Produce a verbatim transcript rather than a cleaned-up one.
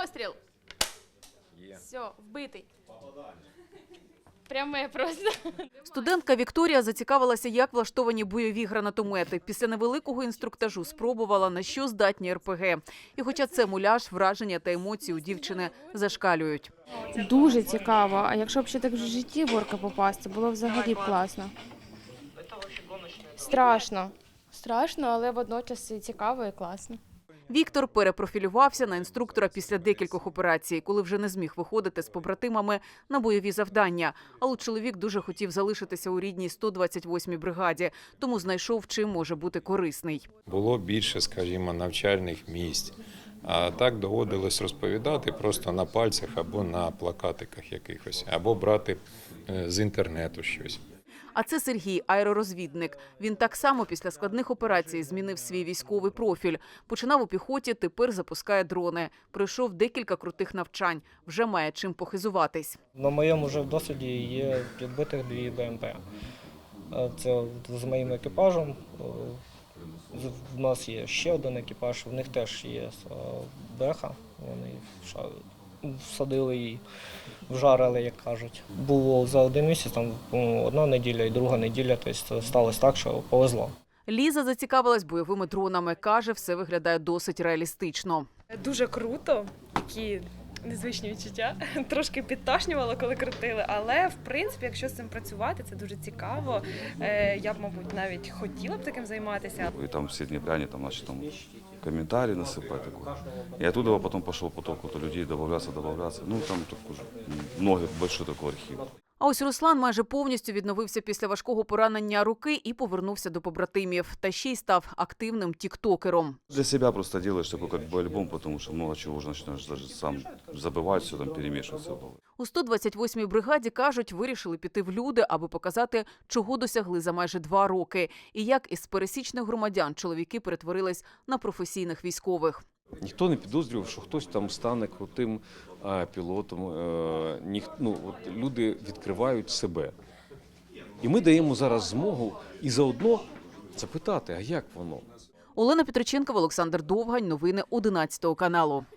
Постріл. Все, вбитий. Пряме просто. Студентка Вікторія зацікавилася, як влаштовані бойові гранатомети. Після невеликого інструктажу спробувала, на що здатні ер пе ге. І хоча це муляж, враження та емоції у дівчини зашкалюють. Дуже цікаво. А якщо б ще так в житті в орка попасти, було взагалі б класно. Страшно. Страшно, але водночас і цікаво і класно. Віктор перепрофілювався на інструктора після декількох операцій, коли вже не зміг виходити з побратимами на бойові завдання. Але чоловік дуже хотів залишитися у рідній сто двадцять восьмій бригаді, тому знайшов, чим може бути корисний. Було більше, скажімо, навчальних місць. А так доводилось розповідати просто на пальцях або на плакатиках якихось, або брати з інтернету щось. А це Сергій, аеророзвідник. Він так само після складних операцій змінив свій військовий профіль. Починав у піхоті, тепер запускає дрони. Пройшов декілька крутих навчань. Вже має чим похизуватись. На моєму вже досвіді є підбитих дві бе ем пе. Це з моїм екіпажем. У нас є ще один екіпаж, в них теж є беха. Вони всадили її, вжарили, як кажуть. Було за один місяць, там одна неділя і друга неділя, тобто сталося так, що повезло. Ліза зацікавилась бойовими дронами. Каже, все виглядає досить реалістично. Дуже круто, такі незвичні відчуття. Трошки підташнювало, коли крутили, але, в принципі, якщо з цим працювати, це дуже цікаво. Я б, мабуть, навіть хотіла б таким займатися. И там все днепряне там начали там комментарии насыпать такое. И оттуда потом пошел поток вот людей добавляться, добавляться. Ну там такой много, большой такой архив. А ось Руслан майже повністю відновився після важкого поранення руки і повернувся до побратимів. Та ще й став активним тіктокером. Для себя просто делаешь такой как бы альбом, потому что много чего уже начинаешь даже сам забывать, все там перемешиваться. У сто двадцять восьмій бригаді, кажуть, вирішили піти в люди, аби показати, чого досягли за майже два роки. І як із пересічних громадян чоловіки перетворились на професійних військових. Ніхто не підозрював, що хтось там стане крутим а, пілотом. Е, ніх, ну, от люди відкривають себе. І ми даємо зараз змогу і заодно запитати, а як воно? Олена Петриченкова, Олександр Довгань. Новини одинадцятого каналу.